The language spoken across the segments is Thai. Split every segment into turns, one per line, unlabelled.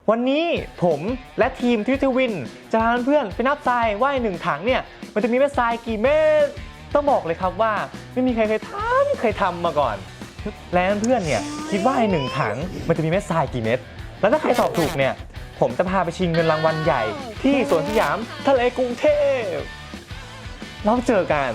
วันนี้ผมและทีมทวินจะพาเพื่อนไปนับทรายว่าหนึ่งถังเนี่ยมันจะมีเม็ดทรายกี่เม็ดต้องบอกเลยครับว่าไม่มีใครเคยทำมาก่อนแล้วเพื่อนเนี่ยคิดว่าหนึ่งถังมันจะมีเม็ดทรายกี่เม็ดแล้วถ้าใครตอบถูกเนี่ยผมจะพาไปชิงเงินรางวัลใหญ่ที่สวนสยามทะเลกรุงเทพเราเจอกัน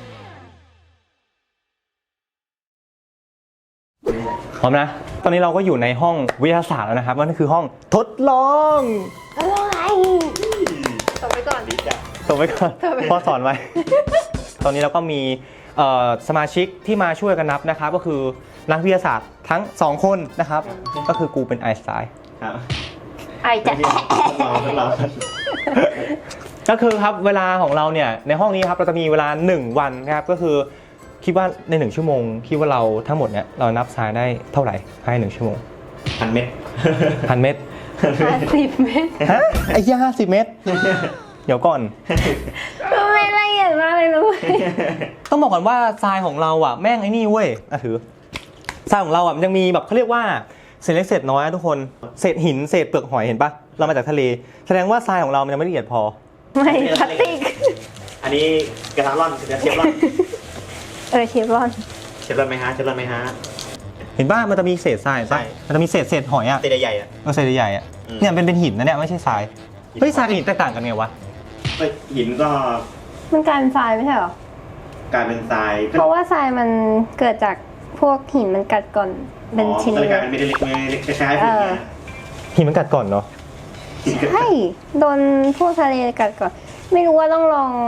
พร้อมนะตอนนี้เราก็อยู่ในห้องวิทยาศาสตร์แล้วนะครับนั่นคือห้องทดลอง
อะไรส่งไปก่อน
พ่อสอนไว้ ตอนนี้เราก็มีสมาชิกที่มาช่วยกันนับนะครับก็คือนักวิทยาศาสตร์ทั้ง2คนนะครับก็คือกูเป็นไอน์สไตน์
ครับ
ไอจะ
เรา
ก็คือครับเวลาของเราเนี่ยในห้องนี้ครับเราจะมีเวลา1วันนะครับก็คือคิดว่าใน1ชั่วโมงคิดว่าเราทั้งหมดเนี่ยเรานับทรายได้เท่าไหร่ภายใน1ชั่วโมง
1,000 เม็ด
1,000 เม็ด
50 เม็ด
ฮะไอ้ย่า50 เม็ดเดี๋ยวก่อน
ไม่ละเอียดมากเลยนะ
ต้องบอกก่อนว่าทรายของเราอ่ะแม่งไอ้นี่เว้ยถือทรายของเราอ่ะมันยังมีแบบเขาเรียกว่าเศษเล็กเศษน้อยทุกคนเศษหินเศษเปลือกหอยเห็นปะเรามาจากทะเลแสดงว่าทรายของเรามันยังไม่ละเอียดพอ
ไม่พลาสติก
อันนี้กระทะร่อนกระเทียมร่อน
เชฟรอน
ไหมฮะ
เห็นป่ะมันจะมีเศษทรายป่ะมันจะมีเศษหอยอ่ะ
เศษใหญ่อ่ะ
เศษใหญ่อ่ะเนี่ยเป็นหินนะเนี่ยไม่ใช่ทรายเฮ้ยทรายกับหินแตกต่างกันไงวะ
หินก็
มันกลายเป็นทรายไม่ใช่หรอก
ลายเป็นทราย
เพราะว่าทรายมันเกิดจากพวกหินมันกัดก่อนเป็นชิ้น
เล็กๆไม่ได้เล็กคล้ายๆ
หินมันกัดก่อนเนาะ
ใช่โดนพวกทะเลกัดก่อนไม่รู้ว่าต้องลอง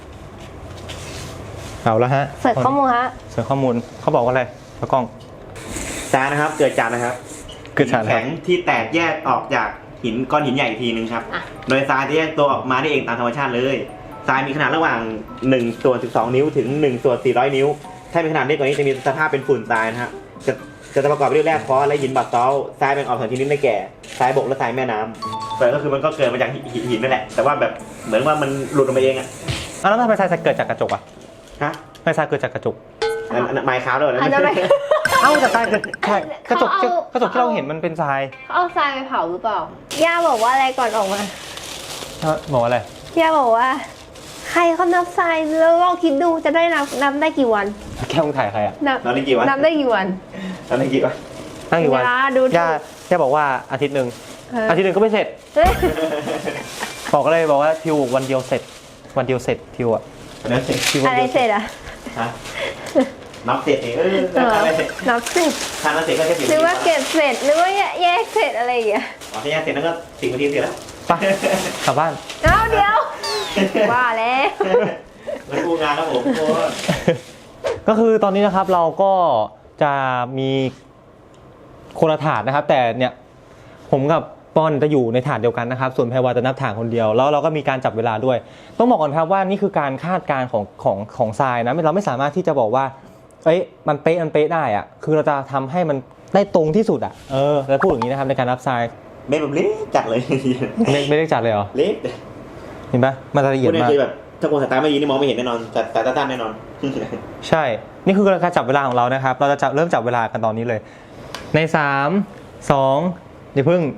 เอาละฮะ
เสิร์ชข้อมูล
เขาบอกว่าอะไรพระกล้อง
ทรายนะครับเกิดจากแข็งที่แตกแยกออกจากก้อนหินใหญ่อีกทีนึงครับโดยทรายจะแยกตัวออกมาได้เองตามธรรมชาติเลยทรายมีขนาดระหว่าง1/12 นิ้วถึง1/400 นิ้วถ้ามีขนาดเล็กกว่านี้จะมีสภาพเป็นฝุ่นทรายนะฮะจะประกอบไปด้วยแร่ฟอสและหินบาซอลต์ทรายแบ่งออก2ชนิดได้แก่ทรายบกและทรายแม่น้ำแต่ก็คือมันก็เกิดมาจากหินนั่นแหละแต่ว่าแบบเหมือนว่ามันหลุดออกมาเองอ่ะ
แล้วทำไมทรายเกิดจากกระจกอ่ะ
ฮะ
ทำไมทรายเกิดจากกระจก
ไม้ค้าด้วยนะ
เอ้าแต่ทรายกระจกที่เราเห็นมันเป็นทราย
เอาทรายไปเผาหรือเปล่าย่าบอกว่าอะไรก่อนออกมา
บอกอะไร
ย่าบอกว่าใครเขานับทรายแล้วลองคิดดูจะได้นับได้กี่วัน
แค่มึงถ่ายใครอ่ะ
นับได้กี่วัน
นับได้กี่วัน
ตั้งกี่
วันย่าบอกว่าอาทิตย์หนึ่งก็ไม่เสร็จบอกว่าทิววันเดียวเสร็จทิวอ่ะ
อะไรเสร็จอ่ะ
นับเสร็จ
นับเสร็จ
ทานเสร็จก็แค่
หรือว่าเก็บเสร็จหรือว่าแยกเสร็จอะไรอย่างเงี้ย
ถ้าแยกเสร็จแล้วก็10 นาทีเสร็จแล้ว
ไปกลับบ้าน
เดี๋ยวว่าแล้ว
มันกูงานแล้วผม
ก็คือตอนนี้นะครับเราก็จะมีคนละถาดนะครับแต่เนี่ยผมกับปอนจะอยู่ในถาดเดียวกันนะครับส่วนแพรวาจะนับถาดคนเดียวแล้วเราก็มีการจับเวลาด้วยต้องบอกก่อนครับว่านี่คือการคาดการณ์ของทรายนะเราไม่สามารถที่จะบอกว่ามันเป๊ะได้อะคือเราจะทำให้มันได้ตรงที่สุดอ่ะแล้วพูดอย่างนี้นะครับในการนับทราย
เม็ดแบบเล็กจัดเลย
ไม่เล็กจัดเลยเหรอ
เล็ก
เห็นปะมันละเอียดมาก
แบบถ้าคนสายตาไม่ดีนี่มองไม่เห็นแน่นอนสายตาสั้นแน่นอน
ใช่นี่คือการจับเวลาของเรานะครับเราจะเริ่มจับเวลากันตอนนี้เลยใน3 2อย่าพึ่ง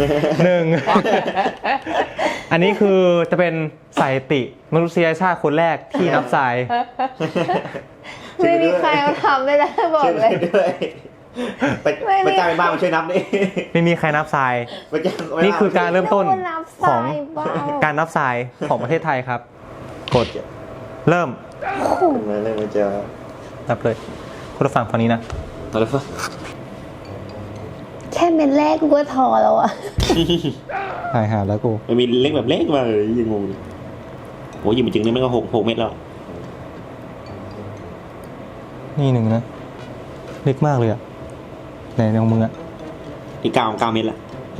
1อันนี้คือจะเป็นสถิติมนุษยชาติคนแรกที่นับทราย
ไม่มีใครมาทำได้แล้วบอกเลย
ไปจ้างเป็นบ้านมาช่วยนับนี่
ไม่มีใครนับทรายนี่คือการเริ่มต้นของการนับทรายของประเทศไทยครับกดเริ่ม
มันจะ
นับเลยคุณผู้ฟังฝั่งนี้นะ
แค่เม็ดแรกกูก็ทอแล้วอ่ะ
หายหาแล้วกู
มันมีเล็กแบบเล็กมาเลยยิงงงโอ้ยิงจริงนี่มันก็6 เม็ดแล้ว
นี่1นะเล็กมากเลยอ่ะไหนของมึงอ่ะ
อีก9 เม็ดละ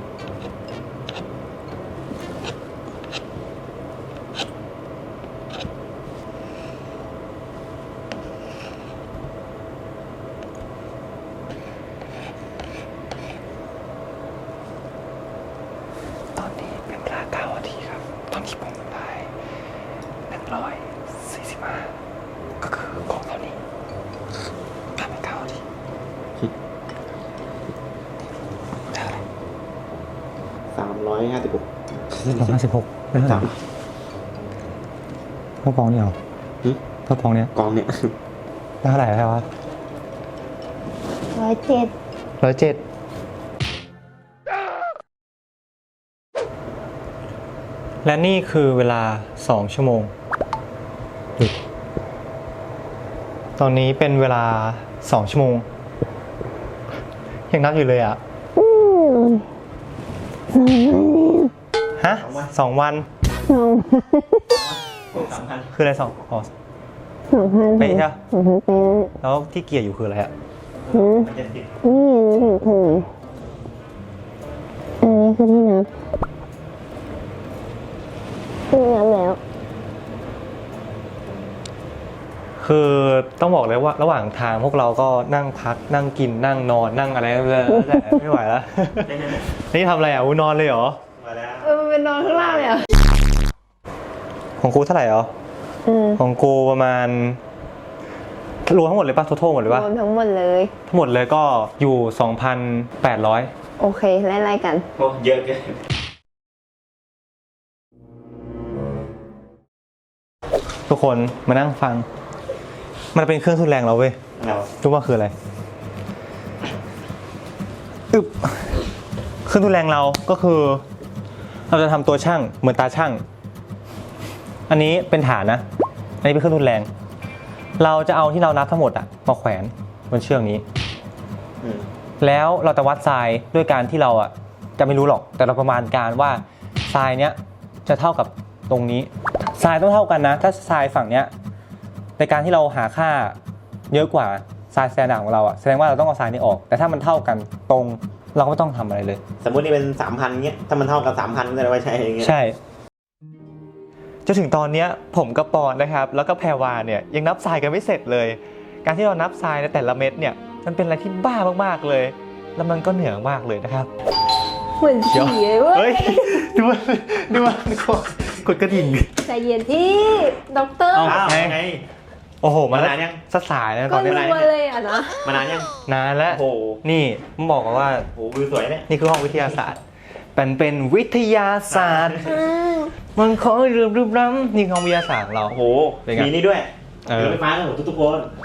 ตอนนี้เป็นเวลา9 นาทีครับตอนที่ผมได้145ก็คือของเท่านี้ผ่านไป9 นาทีได้อะไร
256
256ไม่เท่าไหร่เท่าปองนี่เหรอเท่าปองเนี้ย
กองเนี่ย
ได้เท่าไหร่แล้ววะ
107
107และนี่คือเวลา2 ชั่วโมงหยุดตอนนี้เป็นเวลา2 ชั่วโมงยังนับอยู่เลยอ่ะฮะ2 วันคืออะไร2อ๋อ
2,000
เป๊ะใช่ปะ
2,000 เป๊ะ
แล้วที่เกียร์อยู่คืออะไรอ่ะ
มันจะติด
นี่คืออันนี้คือที่นับแล้ว
คือต้องบอกเลยว่าระหว่างทางพวกเราก็นั่งพักนั่งกินนั่งนอนนั่งอะไรแต่ไม่ไหวแล้ว นี่ทำอะไรอ่ะนอนเลยเหรอ
มาแล้ว
มันเป็นนอนข้างล่างเลยอ่ะ
ของกูเท่าไหร่เหรอของกูประมาณรวมทั้งหมดเลยป่ะทั้งหมดเลยป่ะ
รวมทั้งหมดเลย
ทั้งหมดเลยก็อยู่ 2,800
โอเคไล่ๆกัน
โอ้เยอะเกิน
ทุกคนมานั่งฟัง มันเป็นเครื่องทุนแรงเราเว้ย
เรา
รู้ว่าคืออะไรอึบเครื่องทุนแรงเราก็คือ เราจะทำตัวช่างเหมือนตาช่างอันนี้เป็นฐานนะอันนี้เป็นเครื่องทุนแรง เราจะเอาที่เรานับทั้งหมดอะมาแขวนบนเชือกนี้ แล้วเราจะวัดทรายด้วยการที่เราอะจะไม่รู้หรอกแต่เราประมาณการว่าทรายเนี้ยจะเท่ากับตรงนี้ทรายต้องเท่ากันนะถ้าทรายฝั่งเนี้ยในการที่เราหาค่าเยอะกว่าทรายสแตนดาร์ดของเราอะแสดงว่าเราต้องเอาทรายนี้ออกแต่ถ้ามันเท่ากันตรงเราก็ไม่ต้องทำอะไรเลย
สมมตินี่เป็น 3,000เงี้ยถ้ามันเท่ากับ 3,000ก็จะไม่ใช่อย่างเงี้ย
ใช่จนถึงตอนนี้ผมกับปอนนะครับแล้วก็แพรวาเนี่ยยังนับทรายกันไม่เสร็จเลย การที่เรานับทรายในแต่ละเม็ดเนี่ยมันเป็นอะไรที่บ้ามากๆเลย แล้วมันก็เหนื่อยมากเลยนะครับ
เหมือนผีเลยเว้
เฮ้
ย
ยดูมันกดกระดิ่ง
ใจเย็นที่ด็อกเตอร์
เอ้า
อ้าวไง
โอ้โหมัน
มานานยัง
สายนะต
ก็
อนนี้
รัวเลยอ่ะนะ
มานานยัง
นานแล้ว
โอ้โห
นี่ผมบอกว่า
โอ้โหวิวสวยเนี่ย
นี่คือห้องวิทยาศาสตร์เป็นวิทยาศาสตร์มันขอลืมล้ำนี่คือห้องวิทยาศาสตร์ของเรา
โอ้โห
เป็นไง
มีนี่ด้วย
เออ
รถไฟฟ้าของทุกๆคน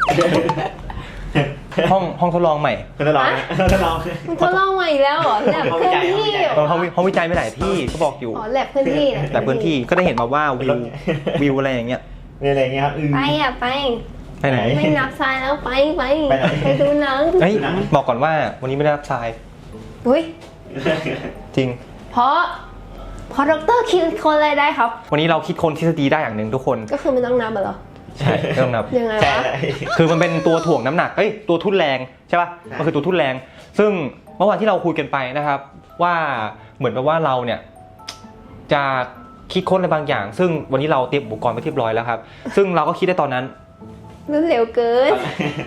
ห้องทดลองใหม่
คุณทดลองนะทดลอง
มึงทดลองใหม่อีกแล้วเหรอแลบเคลื่อนที่เหรอ
ห้องวิจัยไม่หลายที่ก็บอกอยู่
อ๋อแลบเคลื่อนที่นะ
แต่พื้นที่ก็ได้เห็นมาว่าวิวอะไรอย่างเงี้ย
มีอะไรอย่างเงี้ยครับ
ไปอ่ะไป
ไปไหน
ไม่นับทรายแล้วไป
ไปไหน
ไปดูหนัง
เฮ้ยบอกก่อนว่าวันนี้ไม่ได้รับทราย
อุ้ย
จริง
เพราะด็อกเตอร์คิดคนอะไรได้ครับ
วันนี้เราคิดคนทฤษฎีได้อย่างหนึ่งทุกคน
ก็คือไม่ต้องนับเหรอ
ใช่ไม่ต้องนับ
ยังไง
ใช่
วะ
คือมันเป็นตัวถ่วงน้ำหนักตัวทุ่นแรงใช่ป่ะ
ใช่
มันคือตัวทุ่นแรง ซึ่งเมื่อวานที่เราคุยกันไปนะครับ ว่าเหมือนกับว่าเราเนี่ยจะคิดค้นอะไรบางอย่าง ซึ่งวันนี้เราเตรียมอุปกรณ์ไปเรียบร้อยแล้วครับ ซึ่งเราก็คิดได้ตอนนั้น
รุ่นเร็วเกิน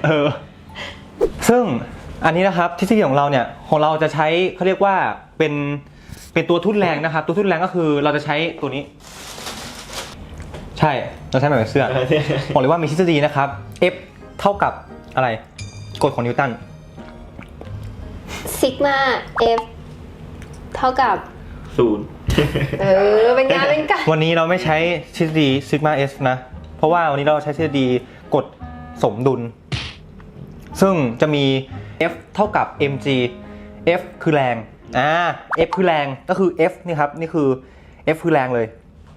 ซึ่งอันนี้นะครับทฤษฎีของเราเนี่ยของเราจะใช้เขาเรียกว่าเป็นตัวทุ่นแรงนะครับ ตัวทุ่นแรงก็คือเราจะใช้ตัวนี้ ใช่เราใช้แบบเป็นเสื้อบอกเลยว่ามีทฤษฎีนะครับ F เท่ากับอะไรกฎของนิวตัน
ซิกมาเอฟเท่ากับ
0
เป็นงานเป็นการ
วันนี้เราไม่ใช้ทฤษฎีซิกมา S นะ เพราะว่าวันนี้เราใช้ทฤษฎีกฎสมดุล ซึ่งจะมี F เท่ากับ mg F คือแรงF คือแรงก็คือ F นี่ครับนี่คือ F คือแรงเลย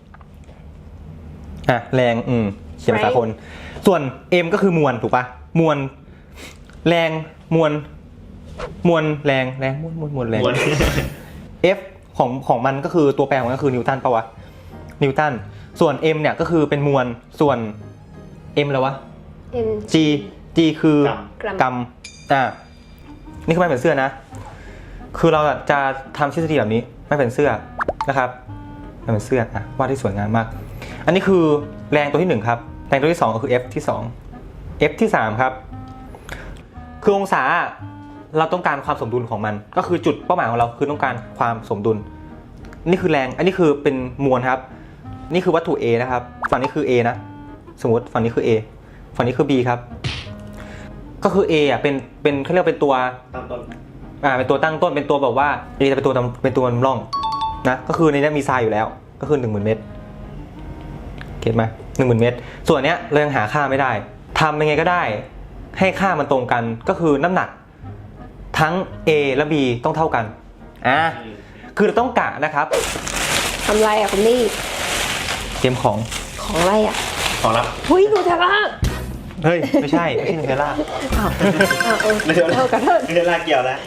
แรงเขียนภาษาคน ส่วน m ก็คือมวลถูกปะมวลแรงมวลแรงมวลแรง F ของมันก็คือตัวแปรของมันก็คือนิวตันปะวะนิวตันส่วน m เนี่ยก็คือเป็นมวลส่วน m แล้ววะ
M
G คือก
รัม
กรัมนี่คือไม่เป็นเสื้อนะ คือเราจะทำทฤษฎีแบบนี้ไม่เป็นเสื้อนะครับไม่เป็นเสื้อวาดที่สวยงามมาก อันนี้คือแรงตัวที่1ครับแรงตัวที่2ก็คือ F ที่2 F ที่3ครับคือองศาเราต้องการความสมดุลของมันก็คือจุดเป้าหมายของเราคือต้องการความสมดุลนี่คือแรงอันนี้คือเป็นมวลครับนี่คือวัตถุ A นะครับฝั่งนี้คือ A นะสมมติฝั่งนี้คือ A ฝั่งนี้คือ B ครับก็คือ A เป็นเขาเรียกเป็นตัว
ตั้งต้น
เป็นตัวตั้งต้นเป็นตัวแบบว่า A จะเป็นตัวนำร่องนะก็คือในนี้มีทรายอยู่แล้วก็คือ 10,000 เม็ดเก็ตไหม10,000 เม็ดส่วนเนี้ยเรายังหาค่าไม่ได้ทำยังไงก็ได้ให้ค่ามันตรงกันก็คือน้ำหนักทั้ง A และ B ต้องเท่ากันคือเราต้องกะนะครับ
ทำไรอ่ะคุณนี่
เตรียมของ
ของอะไรอ่ะ
ของรับ
หุ้ยดูเธอละ
เฮ้ยไม่ใช่นูเทลล่า
อ้าวเออ
ไม่ใช่
เท่ากันเถอะ
ไม่ใช่ลากเกี่ยวแล้ว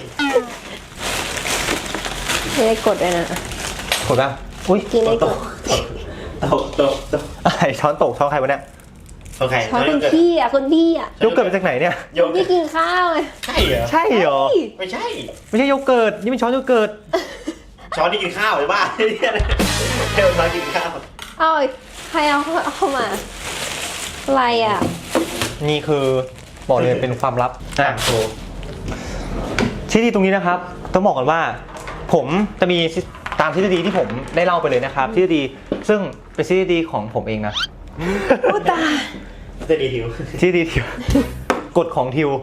ไม่ได้กดเลยนะ
กดป่ะอุ้ย
กินได้กด
ตก
อะไรช้อนตกช้อนใครวะเนี่ย
โอเค
ช้อนคุณพี่อ่ะคุณพี่อ่ะ
โยเกิร์ตมาจากไหนเนี่ย
โย
คุณพี่กินข้าวไง
ใช่เหรอ
ใช่เหรอ
ไม่ใช่
ไม่ใช่โยเกิร์ตนี่เป็นช้อนโยเกิร์ต
ช้อนที่กินข้าวหรือว่าเที่ยวช้อนกินข้าว
เอาอีกใครเอาเข้ามาอะไรอ่ะ
นี่คือบอกเลยเป็นความลับ
โอ้
ที่ดีตรงนี้นะครับต้องบอกก่อนว่า ผมจะมีตามทฤษฎีที่ผมได้เล่าไปเลยนะครับทฤษฎีซึ่งเป็นทฤษฎีของผมเองนะ
โอ้ตาย
จะดีทิว
ทฤษฎีทิวกฎของทิว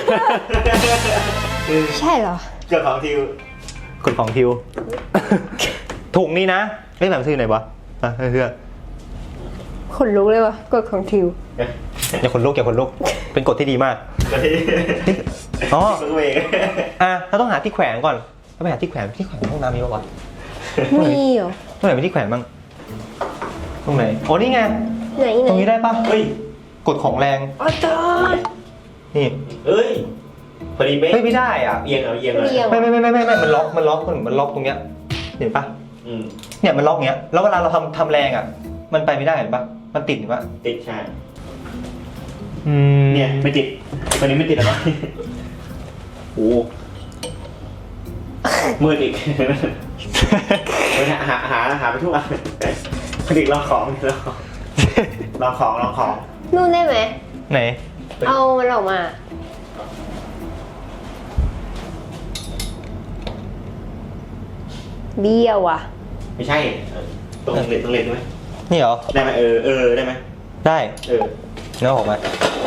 ใช่เหรอ
เกี่ยวของทิว
กฎของทิว ถุงนี้นะเล่นแบบซื้อไหนวะเพื่อ
ขนลุกเลยวะกดของทิว
อย่าขนลุกเป็นกฎที่ดีมาก อ๋อ
เวง
เราต้องหาที่แขวนก่อนเราไปหาที่แขวนห้องน้ำมีปะวะ
มีเหรอ
ตรงไหนมีที่แขวนบ้างตรงไหนโอ้นี่ไง
ไหน
ตรงนี้ได้ปะ
เฮ้ย
กฎของแรง
อ๋อตาย
นี่
เอ้ยพอดีเป๊ะ
เฮ้ยไม่ได้อ่ะ
เอียงเอาเอียงเลย
ไม่มันล็อกมันล็อกตรงเนี้ยเห็นปะ
อืม
เนี่ยมันล็อกเงี้ยแล้วเวลาเราทำแรงอ่ะมันไปไม่ได้เห็นปะมันติดเห็นปะ
ติดใช่
อืม
เนี่ยไม่ติดตัวนี้ไม่ติดหรอโอ้มืดอีกหาไปทั่วผลิตลองของลองของ
นู่นได้ไหม
ไหน
เอามันออกมา เบี้ยวอ่ะ
ไม่ใช่ตรงเลนใช่ไหม
นี่เหรอ
ได้ไหมได้ไหม
ได้
เ
เนื้อออกมา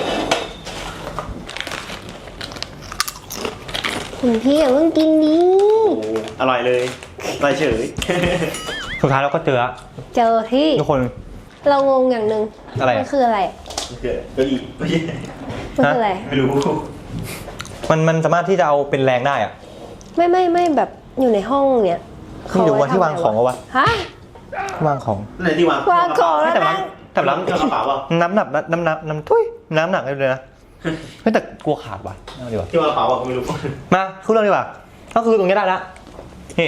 คุณพี่อย่าเพิ่งกินดิ
อร่อยเลยอร่อยเฉย
สุดท้ายเราก็เจอละ
เจอที่
ทุกคน
เรางงอย่างหนึ่ง
อะไรอะ
มันคืออะไร
เกิดก็อี
มันคืออะไร
ไม่รู้
มันสามารถที่จะเอาเป็นแรงได้อ่ะ
ไม่แบบอยู่ในห้องเนี่ย
ไม่รู้ว่าที่วางของเอาวะ
ฮะ
ที่วางของ
ไหนที่วาง
วางของแล้ว
แต่
นะ
ล้ำ
เจอกระเป๋าเปล่า
น้ำหนักเลยนะไม่แต่กลัวขาดว่ะเอาดีกว่า
ที่วางกระเป๋าเปล่าไม่รู้
มาพูดเรื่องดีกว่าก็คือตรงนี้ได้ละนี่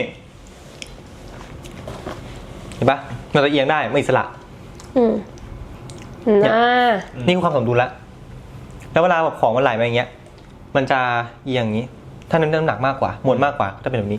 เห็นปะเราจะเอียงได้ไม่อิสระ
น่า
นี่คือความสมดุลละแล้วเวลาแบบของมันไหลมาอย่างเงี้ยมันจะเอียงอย่างนี้ ถ้าน้ำหนักมากกว่ามวลมากกว่าก็จะเป็นแบบนี้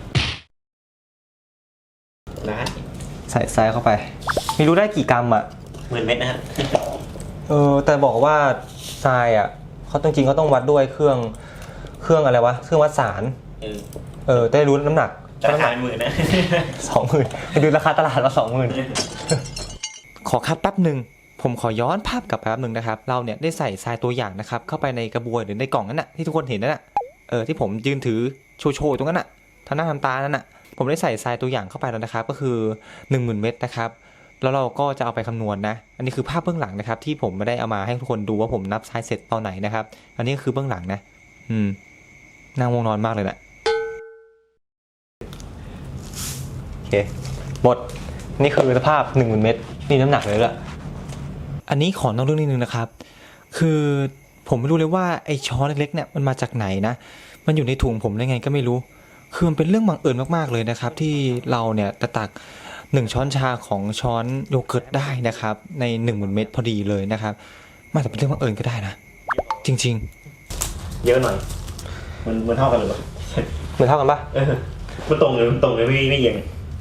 นะ
ใส่ทรายเข้าไปไม่รู้ได้กี่กรัมอ่ะ
10,000 เม็ดนะฮะ
แต่บอกว่าทรายอ่ะเขาจริงๆเขาต้องวัดด้วยเครื่องอะไรวะเครื่องวัดสารได้รู้น้ำหนัก
ราคา10,000นะ
20,000ไปดูราคาตลาดมา 20,000 ขอคัดแป๊บหนึ่งผมขอย้อนภาพกลับไปแป๊บหนึ่งนะครับเราเนี่ยได้ใส่ทรายตัวอย่างนะครับเข้าไปในกระบวยหรือในกล่องนั้นน่ะที่ทุกคนเห็นนั่นน่ะที่ผมยืนถือโชว์ตรงนั้นน่ะทำหน้าทำตานั่นน่ะผมได้ใส่ทรายตัวอย่างเข้าไปแล้วนะครับก็คือ 10,000 เม็ดนะครับแล้วเราก็จะเอาไปคำนวณนะอันนี้คือภาพเบื้องหลังนะครับที่ผมไม่ได้เอามาให้ทุกคนดูว่าผมนับทรายเสร็จตอนไหนนะครับอันนี้ก็คือเบื้องหลังนะนั่งวงนอนมากเลยแหละโอเคหมดนี่คือสภาพ 10,000 เม็ดนี่น้ำหนักเลยละอันนี้ขอนอกเรื่องนิดนึงนะครับคือผมไม่รู้เลยว่าไอ้ช้อนเล็กๆเนี่ยมันมาจากไหนนะมันอยู่ในถุงผมได้ไงก็ไม่รู้คือมันเป็นเรื่องบังเอิญมากๆเลยนะครับที่เราเนี่ยจะตัก1ช้อนชาของช้อนโยเกิร์ตได้นะครับใน 10,000 เม็ดพอดีเลยนะครับมันอาจจะเป็นเรื่องบังเอิญก็ได้นะจริง
เยอะหน่อยมันเท่ากันหรือเปล่า
ๆเหมือนเท่ากันปะ
มันตรงเลยไม่เอียง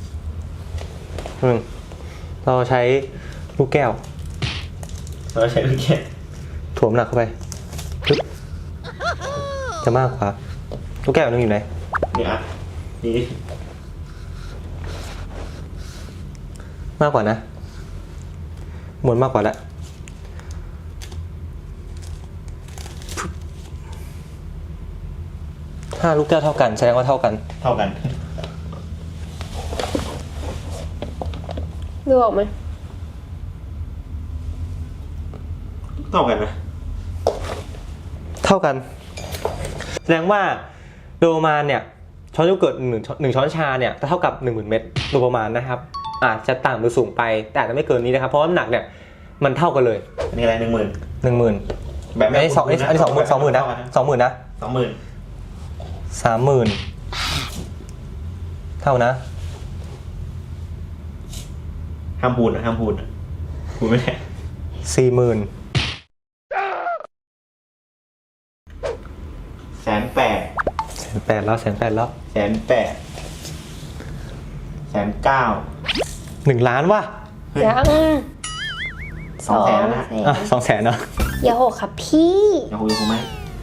เราใช้ลูกแก้ว
เราใช้ลูกแก้ว
ถ่วงหนักเข้าไปปึ๊บจะมากกว่าลูกแก้วนึงอยู่ไหน
นี่อ่ะนี่
มากกว่านะมวลมากกว่าแล้วถ้าลูกแก้วเท่ากันแสดงว่าเท่ากัน
เท่ากัน
ดูออกไหม
เท่ากันไหม
เท่ากัน แสดงว่าโดยประมาณเนี่ยช้อนโยเกิร์ตหนึ่งช้อนชาเนี่ยเท่ากับ 10,000 เม็ดโดยประมาณนะครับอาจจะต่ำหรือสูงไปแต่อาจจะไม่เกินนี้นะครับเพราะน้ำหนักเนี่ยมันเท่ากันเลย
อันนี้อะไร10,000
10,000
แบบ
อันนี้20,000นะ20,000 นะ
20,000
30,000เท่านะ
ห้ามพูดพูดไม่ได้
40,000
180,000
180,000แล้ว180,000แล้ว
190,000
1 ล้านว่ะ
ยัง
200,000นะ
อ่ะ200,000เนาะ
อย่าหกครับพี่
ยังคุยกูไหม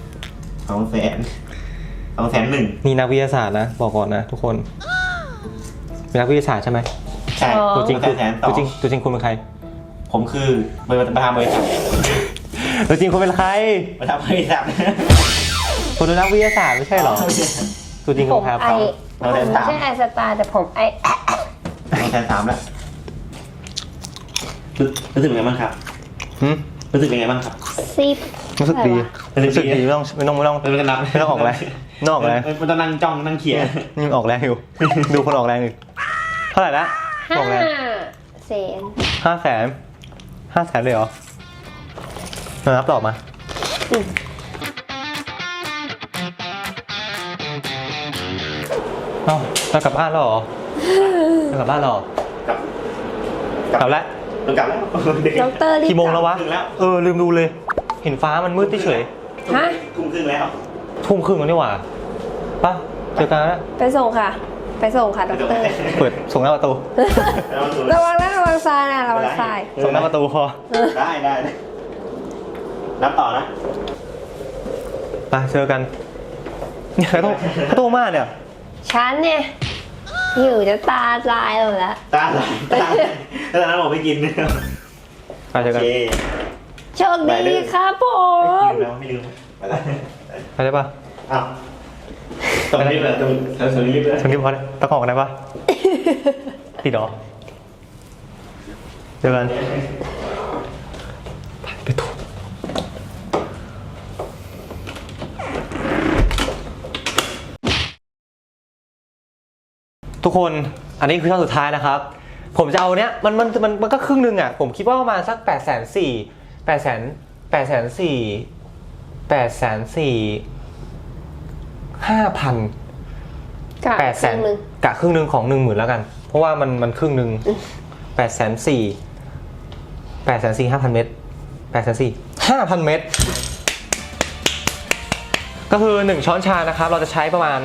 200,001
นี่นักวิทยาศาสตร์นะบอกก่อนนะทุกคนเป็นนักวิทยาศาสตร์ใช่ไหม
ใช่
ตัวจริงคือ
แสนต่อ
ตัวจริงคุณเป็นใคร
ผมคือประธานบริษัท
ตัวจริงคุณเป็นใคร
ประธานบริษัท
คนเป็นนักวิทยาศาสตร์ไม่ใช่เหรอตัวจริง
ผ
คุ
ม
ณครับ
ไอผมไม่ใช่ไอสตาร์แต่ผมไอ
203,000แล้วรู้สึกยังไงบ้างครับ
หืม
รู้สึกยังไงบ้างครับ
10
รู้สึกดี รู้สึกดีไม่ต้องไม่ต้อง
ไม่เป็นไร
ไม่ต้องออกแรงไม่ต้องออกแรง
มันต้องนั่งจ้องนั่งเขียน
นี่ออกแรงอยู่ ดูคนออกแรงอยู่เท่าไหร่ละออกแรง
500,000
500,000เลยเหรอมานับต่อมาเอ้าจะกลับบ้านแล้วเหรอจะกลับบ้านแล้วเหรอก
ลับ
แล้ว
ต้องกลับแล้ว
ด็อกเตอร์รีบ
กี่โมงแล้ววะ
ถึงแล้ว
ลืมดูเลย เห็นฟ้ามันมืดเฉย
ฮะ
ทุ่มครึ่งแล้ว
ทุ่มครึ่งแล้วนี่หว่าไป่ะเจอกันแล้ว
ไปส่งค่ะ ไปส่งค่ะด็อกเตอร์
เปิดส่งหน้าประตู
ระวังนะระวังทรายนะระวังทราย
ส่งหน้าประตูพอ
ได้นับต่อนะ
ไปเจอกันเนี่ยเขาโตมากเนี่ย
ฉันเนี่ยหิวจะตาลายหมดแล้ว
ตาไหลแล้วตอนนั้นผมไม่กิน
ไปเจอ
โอ
กัน
เค
โชคดีครับผม
ไม่ลืมไปแล้ว
ไปได้ปะ
อ้าวตรงนี้เลยตรงนี้เลย
ฉันรีบพอเลยตะกอกได้ปะติดเหรอเจอกันไปถูกทุกคนอันนี้คือช่องสุดท้ายนะครับ ผมจะเอาเนี้ยมันก็ครึ่งนึงอ่ะผมคิดว่าประมาณสัก840,000
กะ
800,000
นึง
กะครึ่งนึงของ 10,000แล้วกัน เพราะว่ามันครึ่งนึง845,000 เมตร5,000 เมตร ก็คือ1ช้อนชานะครับเราจะใช้ประมาณ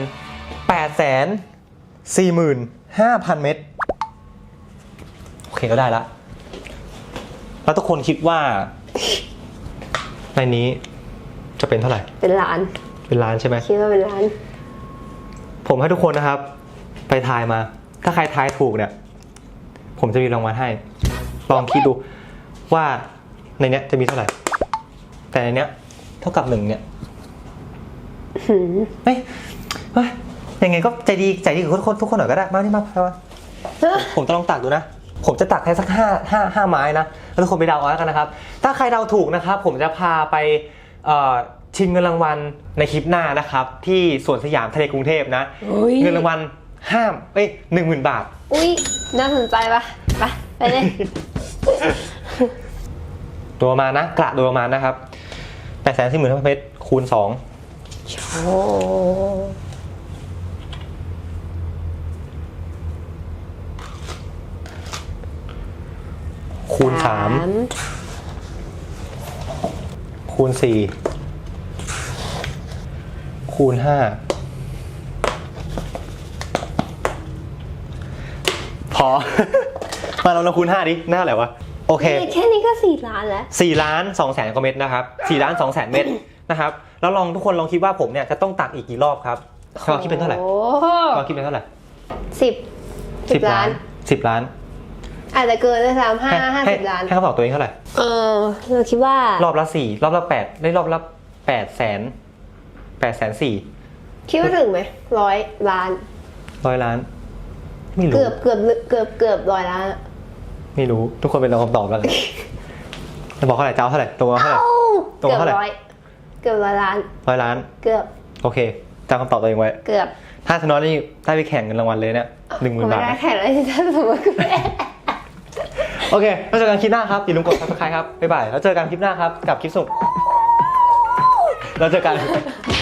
845,000 เมตรโอเคก็ได้ละแล้วทุกคนคิดว่าในนี้จะเป็นเท่าไหร่
เป็นล้าน
เป็นล้านใช่ไหม
คิดว่าเป็นล้าน
ผมให้ทุกคนนะครับ ไปทายมา ถ้าใครทายถูกเนี่ย ผมจะมีรางวัลให้ ลองคิดดูว่าในเนี้ยจะมีเท่าไหร่ แต่ในเนี้ยเท่ากับ1เนี่ยเฮ้ยยังไงก็ใจดีกับทุกคนหน่อยก็ได้มานี่มาผมจะลองตักดูนะ ผมจะตักให้สัก5ไม้นะแล้วทุกคนไปเดาเอาแล้วกันนะครับ ถ้าใครเดาถูกนะครับ ผมจะพาไปชิงเงินรางวัลในคลิปหน้านะครับ ที่สวนสยามทะเลกรุงเทพนะ เงินรางวัล10,000 บาท
อุ้ยน่าสนใจปะไปเลย
ตัวประมาณนะกระโดยประมาณนะครับ840,000 เมตรคูณ2
โอ้
คูณ3คูณ4คูณ5พอ มาเราคูณ5ดิหน้าอะไรวะโอเค
แค่นี้ก็4 ล้านแล้ว
4,200,000 กว่าเม็ดนะครับ4,200,000 เม็ดนะครับแล้วทุกคนลองคิดว่าผมเนี่ยจะต้องตักอีกกี่รอบครับเราคิดเป็นเท่าไหร่
โอ้
เราคิดเป็นเท่าไหร่
10 ล้าน
10 ล้าน
อาจจะเกินด้วยซ้ำ50 ล้าน
ให้เขาบอกตัวเองเท่าไหร่
เราคิดว่าร
อบละ4รอบละ8ได้รอบละ800,000
คิดว่าถึงไหม100 ล้าน
100 ล้านไม่รู้
เกือบ100 ล้านอะ
ไม่รู้ทุกคนเป็นเราคำตอบแล้วกันจะบอกเท่าไหร่เจ้าเท่าไหร่ตัวเท่าไหร่ ตรง
เกือบ
เท่าไหร่
ร้อยเกือบ100 ล้าน
100 ล้าน
เกือบ
โอเคจำคำตอบตัวเองไว้
เกือบ
ถ้าชนะนี่ได้ไปแข่งเงินรางวัลเลยเนี่ย10,000 บาท
ไม่ได้
นะ
แข่งเลยถ้าสมมติคุณแม่
โอเคแล้วเจอกันคลิปหน้าครับอย่าลืมกด subscribe ครับบ๊ายบายแล้วเจอกันคลิปหน้าครับกับคลิปสนุกแล้วเจอกัน